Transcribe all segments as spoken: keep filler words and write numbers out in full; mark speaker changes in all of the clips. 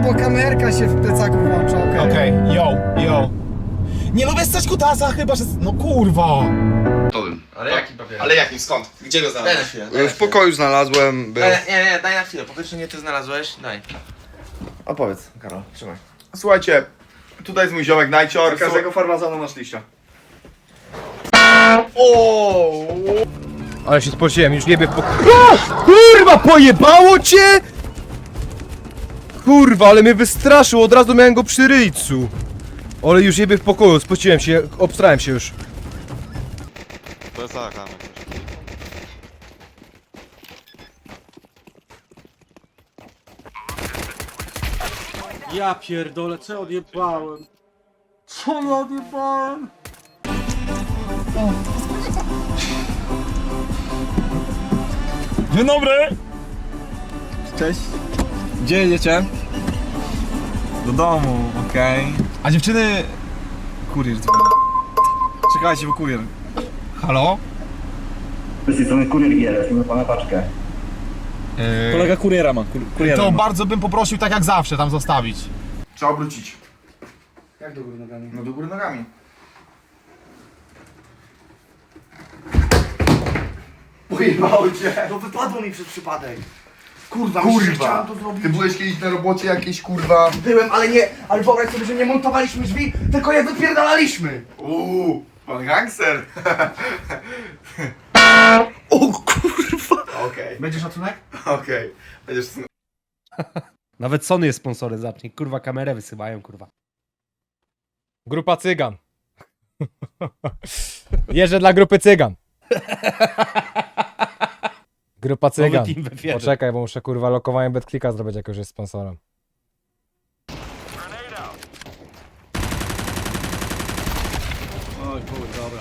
Speaker 1: bo kamerka się w plecaku włącza, okej. Okay.
Speaker 2: Okej, okay. yo, yo. Nie lubię stać kutasa chyba, że... No kurwa.
Speaker 3: Ale jaki papier?
Speaker 2: Ale jaki, skąd? Gdzie go
Speaker 3: Daj na
Speaker 2: znalazłeś?
Speaker 3: chwilę. Daj na
Speaker 4: W
Speaker 3: chwilę.
Speaker 4: pokoju znalazłem, był.
Speaker 3: Daj, nie, nie, daj na chwilę. Po pierwsze nie ty znalazłeś, daj. Opowiedz, Karol, trzymaj.
Speaker 4: Słuchajcie, tutaj jest mój ziomek Najcior.
Speaker 1: Z każdego farmazonu masz liścia.
Speaker 4: O!
Speaker 5: Ale się spociłem, już nie bieg po... O! Kurwa, pojebało cię! Kurwa, ale mnie wystraszył, od razu miałem go przy ryjcu. Ale już nie bieg w pokoju, spociłem się, obstrałem się już.
Speaker 6: To jest tak, Amek.
Speaker 7: Ja pierdolę, co odjebałem? Co ja odjebałem?
Speaker 2: Dzień dobry!
Speaker 1: Cześć. Gdzie jedziecie?
Speaker 2: Do domu, okej. Okay. A dziewczyny...
Speaker 1: Kurier dzwoni. Czekajcie, bo kurier.
Speaker 2: Halo?
Speaker 8: Z tej strony kurier G, mamy pana paczkę.
Speaker 2: Yy,
Speaker 7: Kolega kuriera ma, kur kuriera
Speaker 2: to
Speaker 7: ma.
Speaker 2: bardzo bym poprosił tak jak zawsze tam zostawić.
Speaker 4: Trzeba obrócić.
Speaker 1: Jak do góry nogami?
Speaker 4: No do góry nogami. Pojebało cię.
Speaker 1: No wypadło mi przez przypadek.
Speaker 4: Kurwa,
Speaker 1: kurwa.
Speaker 4: chciałem to zrobić. Ty byłeś kiedyś na robocie jakiejś kurwa...
Speaker 1: Byłem, ale nie, ale wyobraź sobie, że nie montowaliśmy drzwi, tylko je wypierdalaliśmy.
Speaker 4: Uuu, pan gangster.
Speaker 1: O kurwa.
Speaker 4: Okej, okay.
Speaker 1: Będzie szacunek?
Speaker 4: okej. Okay. Będziesz...
Speaker 5: Nawet Sony jest sponsorem, zacznij. Kurwa, kamerę wysyłają, kurwa. Grupa Cygan. Jeżdżę dla grupy Cygan. Grupa Cygan. Poczekaj, bo muszę kurwa lokowanie BetClicka zrobić, jak już jest sponsorem.
Speaker 7: Oj kurwa, dobra.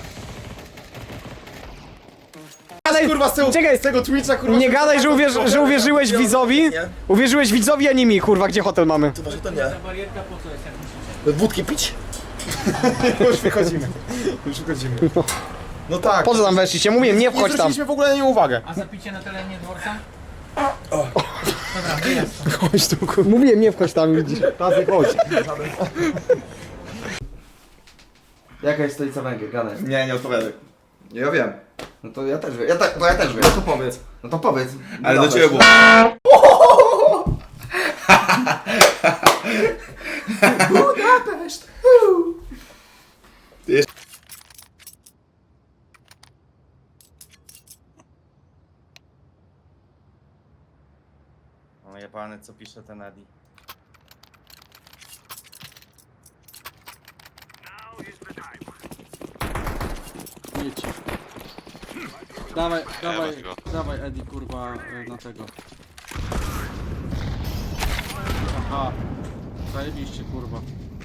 Speaker 1: Ale
Speaker 2: Kurwa z tego,
Speaker 1: czekaj,
Speaker 2: z tego Twitcha kurwa...
Speaker 1: nie gadaj, że, uwierz, że uwierzyłeś widzowi. Uwierzyłeś widzowi, a nie mi, kurwa, gdzie hotel mamy?
Speaker 7: Ta barierka po co jest, jak myślicie?
Speaker 2: Wódki pić? Już wychodzimy. Już wychodzimy. No tak.
Speaker 1: Po co tam weszliście? Mówiłem, nie
Speaker 2: Nie
Speaker 1: wchodź tam.
Speaker 2: zwróciliśmy w ogóle na nie uwagę.
Speaker 7: A zapicie na terenie dworca? Dobra, wyjazd.
Speaker 1: Chodź tu, kurwa. Mówiłem, nie wchodź tam, widzisz.
Speaker 2: Tazy chodź.
Speaker 3: Jaka jest stolica Węgier, gadaj.
Speaker 4: Nie, nie odpowiadaj. Ja wiem.
Speaker 3: No to ja też wiem, ja, ta, to ja też wiem.
Speaker 4: No to powiedz.
Speaker 3: No to powiedz.
Speaker 4: Ale do ciebie było.
Speaker 3: Budapeszt!
Speaker 9: O jebany, co pisze ten Edi.
Speaker 7: Jedź. Dawaj, dawaj,
Speaker 6: weź go.
Speaker 7: dawaj Edi kurwa y, na tego. Aha. Zajebiście kurwa.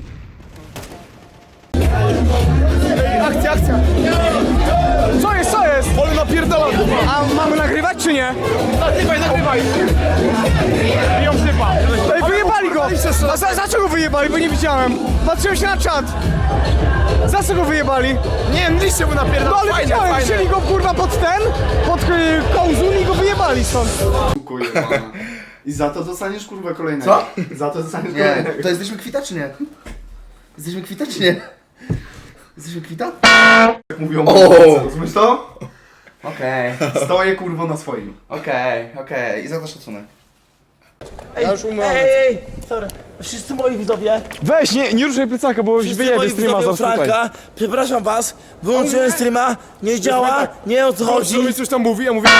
Speaker 1: Akcja, akcja. Co jest, co jest?
Speaker 2: Ale napierdala.
Speaker 1: A mamy nagrywać czy nie?
Speaker 2: Nagrywaj, nagrywaj. Biją sypa.
Speaker 1: Ej, wyjebali go! A za, za co go wyjebali? Bo nie widziałem. Patrzyłem się na czat. Za co go wyjebali?
Speaker 2: Nie wiem, liście mu napierdala.
Speaker 1: No ale widziałem, wzięli go kurwa pod ten, pod y, kołzun i go wyjebali stąd.
Speaker 4: I za to dostaniesz kurwa kolejnego.
Speaker 1: Co?
Speaker 4: Za to dostaniesz
Speaker 3: Nie,
Speaker 4: kolejnego.
Speaker 3: to jesteśmy kwita czy nie? Jesteśmy kwita czy nie? Jesteśmy kwita?
Speaker 4: Jak mówią,
Speaker 3: O!
Speaker 4: rozumiesz to?
Speaker 3: Okej,
Speaker 4: Stoję kurwa na swoim.
Speaker 3: okej, okej. I za to szacunek.
Speaker 1: Ja już umiem.
Speaker 10: Ej, sorry. Wszyscy moi widzowie,
Speaker 1: Weź, nie, nie ruszaj plecaka, bo już
Speaker 10: wszyscy
Speaker 1: wyjebie
Speaker 10: moi
Speaker 1: streama
Speaker 10: widzowie
Speaker 1: za tutaj.
Speaker 10: Franka, przepraszam was, wyłączyłem streama, nie działa, nie o co chodzi.
Speaker 2: Chodzi. Coś tam mówi, ja mówię...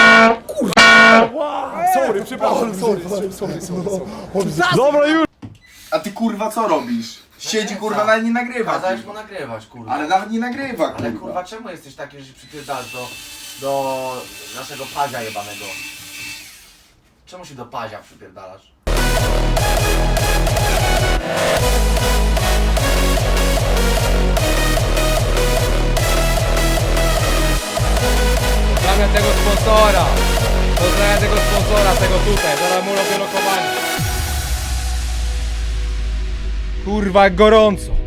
Speaker 4: Sorry, przepraszam, sorry, sorry, sorry, sorry.
Speaker 1: Dobra, już.
Speaker 4: A ty kurwa co robisz? Siedzi kurwa, nawet nie nagrywa.
Speaker 3: Kazałeś mu nagrywać, kurwa.
Speaker 4: Ale nawet nie nagrywa kurwa.
Speaker 3: Ale kurwa, czemu jesteś taki, że się przypierdalasz do, do naszego pazia jebanego? Czemu się do pazia przypierdalasz?
Speaker 5: Pozdrawiam tego sponsora. Pozdrawiam tego sponsora, tego tutaj. Zaraz mu robię lokowanie. Kurwa, jak gorąco.